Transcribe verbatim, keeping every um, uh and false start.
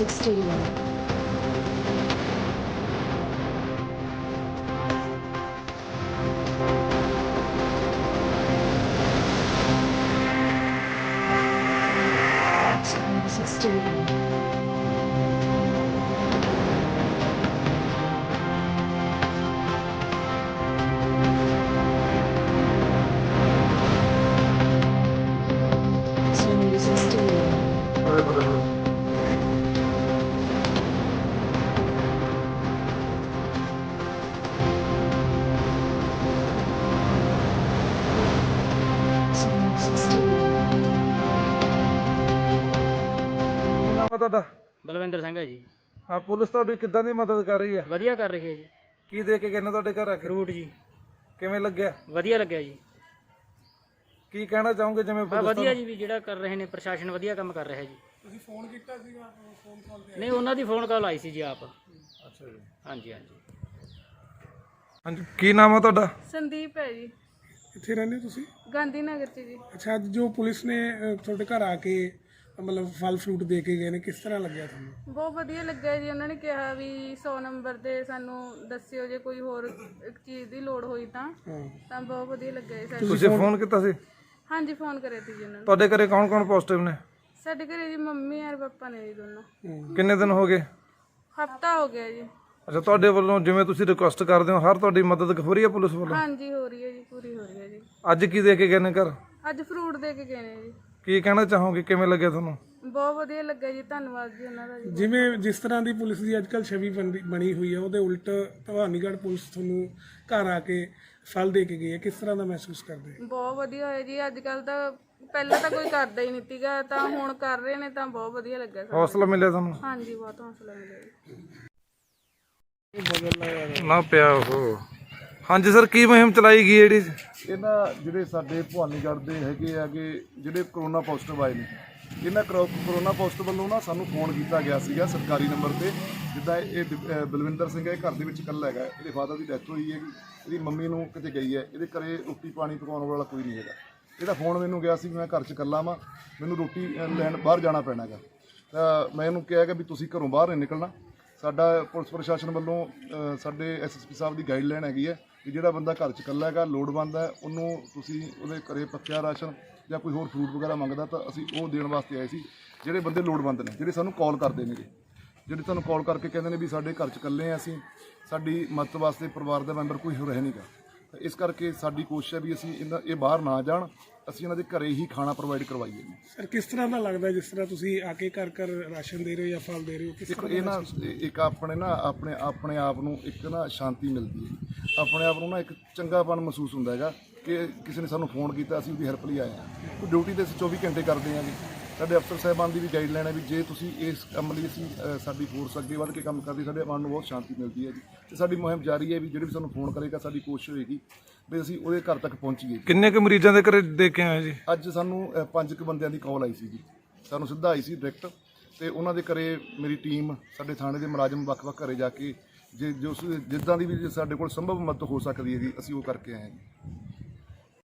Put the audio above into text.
Music Studio. Music Studio. Music Studio. Music Studio. ਨਾਮ ਹੈ ਤੁਹਾਡਾ? ਬਲਵਿੰਦਰ ਸਿੰਘ ਹੈ ਜੀ। ਹਾਂ, ਪੁਲਿਸ ਤੁਹਾਡੀ ਕਿੱਦਾਂ ਦੀ ਮਦਦ ਕਰ ਰਹੀ ਹੈ? ਵਧੀਆ ਕਰ ਰਹੀ ਹੈ ਜੀ। ਕੀ ਦੇ ਕੇ ਗਏ ਨੇ ਤੁਹਾਡੇ ਘਰ ਆ ਕੇ? ਫਰੂਟ ਜੀ। ਕਿਵੇਂ ਲੱਗਿਆ? ਵਧੀਆ ਲੱਗਿਆ ਜੀ। ਕੀ ਕਹਿਣਾ ਚਾਹੋਗੇ ਜਿਵੇਂ ਬਸ ਪੁਲਿਸ ਵਧੀਆ ਜੀ, ਵੀ ਜਿਹੜਾ ਕਰ ਰਹੇ ਨੇ ਪ੍ਰਸ਼ਾਸਨ ਵਧੀਆ ਕੰਮ ਕਰ ਰਿਹਾ ਜੀ। ਤੁਸੀਂ ਫੋਨ ਕੀਤਾ ਸੀਗਾ? ਫੋਨ ਕਾਲ ਤੇ ਨਹੀਂ, ਉਹਨਾਂ ਦੀ ਫੋਨ ਕਾਲ ਆਈ ਸੀ ਜੀ ਆਪ। ਅੱਛਾ ਜੀ। ਹਾਂਜੀ ਹਾਂਜੀ। ਹਾਂਜੀ, ਕੀ ਨਾਮ ਹੈ ਤੁਹਾਡਾ? ਸੰਦੀਪ ਹੈ ਜੀ। ਕਿੱਥੇ ਰਹਿੰਦੇ ਹੋ ਤੁਸੀਂ? ਗਾਂਧੀ ਨਗਰ ਚ ਜੀ। ਅੱਛਾ, ਅੱਜ ਜੋ ਪੁਲਿਸ ਨੇ ਅ, ਤੁਹਾਡੇ ਘਰ ਆ ਕੇ ਮਤਲਬ ਫਲ ਫਰੂਟ ਦੇ ਕੇ ਗਏ ਨੇ, ਕਿਸ ਤਰ੍ਹਾਂ ਲੱਗਿਆ ਤੁਹਾਨੂੰ? ਬਹੁਤ ਵਧੀਆ ਲੱਗਾ ਜੀ। ਉਹਨਾਂ ਨੇ ਕਿਹਾ ਵੀ ਸੌ ਨੰਬਰ ਤੇ ਸਾਨੂੰ ਦੱਸਿਓ ਜੇ ਕੋਈ ਹੋਰ ਇੱਕ ਚੀਜ਼ ਦੀ ਲੋੜ ਹੋਈ ਤਾਂ ਹਾਂ, ਤਾਂ ਬਹੁਤ ਵਧੀਆ ਲੱਗਾ ਜੀ ਸਾਨੂੰ। ਤੁਸੀਂ ਫੋਨ ਕੀਤਾ ਸੀ? ਹਾਂਜੀ, ਫੋਨ ਕਰਿਆ ਸੀ ਜੀ ਉਹਨਾਂ ਨੇ। ਤੁਹਾਡੇ ਘਰੇ ਕੌਣ ਕੌਣ ਪੋਜ਼ਿਟਿਵ ਨੇ? ਸਾਡੇ ਘਰੇ ਜੀ ਮੰਮੀ ਔਰ ਪਾਪਾ ਨੇ ਜੀ ਦੋਨੋਂ। ਹਾਂ। ਕਿੰਨੇ ਦਿਨ ਹੋ ਗਏ? ਹਫਤਾ ਹੋ ਗਿਆ ਜੀ। ਅੱਛਾ, ਤੁਹਾਡੇ ਵੱਲੋਂ ਜਿਵੇਂ ਤੁਸੀਂ ਰਿਕੁਐਸਟ ਕਰਦੇ ਹੋ, ਹਰ ਤੁਹਾਡੀ ਮਦਦ ਹੋ ਰਹੀ ਹੈ ਪੁਲਿਸ ਵੱਲੋਂ? ਹਾਂਜੀ, ਹੋ ਰਹੀ ਹੈ ਜੀ, ਪੂਰੀ ਹੋ ਰਹੀ ਹੈ ਜੀ। ਅੱਜ ਕੀ ਦੇ ਕੇ ਗਏ ਨੇ ਘਰ? ਅੱਜ ਫਰੂਟ ਦੇ ਕੇ ਗਏ ਨੇ ਜੀ। ਕੀ ਕਹਿਣਾ ਚਾਹੋਗੇ, ਕਿਵੇਂ ਲੱਗਿਆ ਤੁਹਾਨੂੰ? ਬਹੁਤ ਵਧੀਆ ਲੱਗਾ ਜੀ, ਧੰਨਵਾਦ ਜੀ ਉਹਨਾਂ ਦਾ ਜੀ। ਜਿਵੇਂ ਜਿਸ ਤਰ੍ਹਾਂ ਦੀ ਪੁਲਿਸ ਦੀ ਅੱਜਕੱਲ ਛਵੀ ਬਣ- ਬਣੀ ਹੋਈ ਹੈ, ਉਹਦੇ ਉਲਟ ਭਵਾਨੀਗੜ੍ਹ ਪੁਲਿਸ ਤੁਹਾਨੂੰ ਘਰ ਆ ਕੇ ਫਲ ਦੇ ਕੇ ਗਈ ਹੈ, ਕਿਸ ਤਰ੍ਹਾਂ ਦਾ ਮਹਿਸੂਸ ਕਰਦੇ? ਬਹੁਤ ਵਧੀਆ ਹੋਇਆ ਜੀ। ਅੱਜ ਕੱਲ ਤਾਂ ਪਹਿਲਾਂ ਤਾਂ ਕੋਈ ਕਰਦਾ ਹੀ ਨਹੀਂ ਸੀਗਾ, ਤਾਂ ਹੁਣ ਕਰ ਰਹੇ ਨੇ ਤਾਂ ਬਹੁਤ ਵਧੀਆ ਲੱਗਾ ਸਾਨੂੰ। ਹੌਸਲਾ ਮਿਲਿਆ ਤੁਹਾਨੂੰ? ਹਾਂਜੀ, ਬਹੁਤ ਹੌਸਲਾ ਮਿਲਿਆ ਜੀ। ਨਾ ਪਿਆ ਉਹ। ਹਾਂਜੀ ਸਰ, ਕੀ ਮੁਹਿੰਮ ਚਲਾਈ ਗਈ ਜਿਹੜੀ? ਇਹਨਾਂ ਜਿਹੜੇ ਸਾਡੇ ਭਵਾਨੀਗੜ੍ਹ ਦੇ ਹੈਗੇ ਆਗੇ ਜਿਹੜੇ ਕਰੋਨਾ ਪੋਜ਼ਿਟਿਵ ਆਏ ਨੇ, ਇਹਨਾਂ ਕਰੋ- ਕਰੋਨਾ ਪੋਜ਼ਿਟਿਵ ਵੱਲੋਂ ਨਾ ਸਾਨੂੰ ਫੋਨ ਕੀਤਾ ਗਿਆ ਸੀਗਾ ਸਰਕਾਰੀ ਨੰਬਰ ਤੇ। ਜਿੱਦਾਂ ਇਹ ਦ- ਅਹ ਬਲਵਿੰਦਰ ਸਿੰਘ ਹੈ, ਘਰ ਦੇ ਵਿੱਚ ਇਕੱਲਾ ਹੈਗਾ, ਇਹਦੇ ਫਾਦਰ ਦੀ ਡੈਥ ਹੋਈ ਹੈਗੀ, ਇਹਦੀ ਮੰਮੀ ਨੂੰ ਕਿਤੇ ਗਈ ਹੈ, ਇਹਦੇ ਘਰੇ ਰੋਟੀ ਪਾਣੀ ਪਕਾਉਣ ਵਾਲਾ ਕੋਈ ਨਹੀਂ ਹੈਗਾ। ਇਹਦਾ ਫੋਨ ਮੈਨੂੰ ਗਿਆ ਸੀ ਵੀ ਮੈਂ ਘਰ 'ਚ ਇਕੱਲਾ ਵਾਂ, ਮੈਨੂੰ ਰੋਟੀ ਅਹ, ਲੈਣ ਬਾਹਰ ਜਾਣਾ ਪੈਣਾ ਹੈਗਾ। ਤਾਂ ਮੈਂ ਇਹਨੂੰ ਕਿਹਾ ਕਿ ਵੀ ਤੁਸੀਂ ਘਰੋਂ ਬਾਹਰ ਨਹੀਂ ਨਿਕਲਣਾ। ਸਾਡਾ ਪੁਲਿਸ ਪ੍ਰਸ਼ਾਸਨ ਵੱਲੋਂ ਅਹ, ਸਾਡੇ ਐਸ ਐਸ ਪੀ ਸਾਹਿਬ ਦੀ ਗਾਈਡਲਾਈਨ ਹੈਗੀ ਹੈ ਕਿ ਜਿਹੜਾ ਬੰਦਾ ਘਰ 'ਚ ਇਕੱਲਾ ਹੈਗਾ, ਲੋੜਵੰਦ ਹੈ, ਉਹਨੂੰ ਤੁਸੀਂ ਉਹਦੇ ਘਰੇ ਪੱਕਿਆ ਰਾਸ਼ਨ ਜਾਂ ਕੋਈ ਹੋਰ ਫਰੂਟ ਵਗੈਰਾ ਮੰਗਦਾ ਤਾਂ ਅਸੀਂ ਉਹ ਦੇਣ ਵਾਸਤੇ ਆਏ ਸੀ। ਜਿਹੜੇ ਬੰਦੇ ਲੋੜਵੰਦ ਨੇ, ਜਿਹੜੇ ਸਾਨੂੰ ਕਾਲ ਕਰਦੇ ਨੇ, ਜਿਹੜੇ ਤੁਹਾਨੂੰ ਕਾਲ ਕਰਕੇ ਕਹਿੰਦੇ ਨੇ ਵੀ ਸਾਡੇ ਘਰ 'ਚ ਇਕੱਲੇ ਆ, ਅਸੀਂ ਸਾਡੀ ਮਦਦ ਵਾਸਤੇ ਪਰਿਵਾਰ ਦਾ ਮੈਂਬਰ ਕੋਈ ਹੋਰ ਹੈ ਨਹੀਂਗਾ। ਇਸ ਕਰਕੇ ਸਾਡੀ ਕੋਸ਼ਿਸ਼ ਹੈ ਵੀ ਅਸੀਂ ਇਹਨਾਂ ਇਹ ਬਾਹਰ ਨਾ ਜਾਣ, ਅਸੀਂ ਇਹਨਾਂ ਦੇ ਘਰੇ ਹੀ ਖਾਣਾ ਪ੍ਰੋਵਾਈਡ ਕਰਵਾਈਏ। ਸਰ, ਕਿਸ ਤਰ੍ਹਾਂ ਦਾ ਲੱਗਦਾ ਜਿਸ ਤਰ੍ਹਾਂ ਤੁਸੀਂ ਆ ਕੇ ਘਰ ਘਰ ਰਾਸ਼ਨ ਦੇ ਰਹੇ ਹੋ ਜਾਂ ਫਲ ਦੇ ਰਹੇ ਹੋ? ਕਿਸ ਦੇਖੋ, ਤਰ੍ਹਾਂ ਇਹ ਨਾ ਇੱਕ ਆਪਣੇ ਨਾ ਆਪਣੇ ਆਪਣੇ ਆਪ ਨੂੰ ਇੱਕ ਨਾ ਸ਼ਾਂਤੀ ਮਿਲਦੀ ਹੈ, ਆਪਣੇ ਆਪ ਨੂੰ ਨਾ ਇੱਕ ਚੰਗਾਪਨ ਮਹਿਸੂਸ ਹੁੰਦਾ ਹੈਗਾ ਕਿ ਕਿਸੇ ਨੇ ਸਾਨੂੰ ਫੋਨ ਕੀਤਾ, ਅਸੀਂ ਉਹਦੀ ਹੈਲਪ ਲਈ ਆਏ ਹਾਂ। ਡਿਊਟੀ ਤੇ ਅਸੀਂ ਚੌਵੀ ਘੰਟੇ ਕਰਦੇ ਹਾਂ ਜੀ। ਸਾਡੇ ਅਫਸਰ ਸਾਹਿਬਾਨ ਦੀ ਵੀ ਗਾਈਡਲਾਈਨ ਹੈ ਵੀ ਜੇ ਤੁਸੀਂ ਇਸ ਕੰਮ ਲਈ ਅਸੀਂ ਅ, ਸਾਡੀ ਫੋਰਸ ਅੱਗੇ ਵੱਧ ਕੇ ਕੰਮ ਕਰਦੀ, ਸਾਡੇ ਮਨ ਨੂੰ ਬਹੁਤ ਸ਼ਾਂਤੀ ਮਿਲਦੀ ਹੈ ਜੀ। ਤੇ ਸਾਡੀ ਮੁਹਿੰਮ ਜਾਰੀ ਹੈ ਵੀ ਜਿਹੜੇ ਵੀ ਸਾਨੂੰ ਫੋਨ ਕਰੇਗਾ, ਸਾਡੀ ਕੋਸ਼ਿਸ਼ ਹੋਏਗੀ ਵੀ ਅਸੀਂ ਉਹਦੇ ਘਰ ਤੱਕ ਪਹੁੰਚੀਏ। ਕਿੰਨੇ ਕੁ ਮਰੀਜ਼ਾਂ ਦੇ ਘਰੇ ਦੇ ਕੇ ਆਏ ਜੀ? ਅੱਜ ਸਾਨੂੰ ਅ, ਪੰਜ ਕੁ ਬੰਦਿਆਂ ਦੀ ਕਾਲ ਆਈ ਸੀ ਜੀ, ਸਾਨੂੰ ਸਿੱਧਾ ਆਈ ਸੀ ਡਾਇਰੈਕਟ, ਤੇ ਉਹਨਾਂ ਦੇ ਘਰੇ ਮੇਰੀ ਟੀਮ, ਸਾਡੇ ਥਾਣੇ ਦੇ ਮੁਲਾਜ਼ਮ ਵੱਖ-ਵੱਖ ਘਰੇ ਜਾ ਕੇ ਜੇ ਜੋ ਜਿੱਦਾਂ ਦੀ ਵੀ ਸਾਡੇ ਕੋਲ ਸੰਭਵ ਮਦਦ ਹੋ ਸਕਦੀ ਹੈ ਜੀ, ਅਸੀਂ ਉਹ ਕਰਕੇ ਆਏ ਹਾਂ ਜੀ।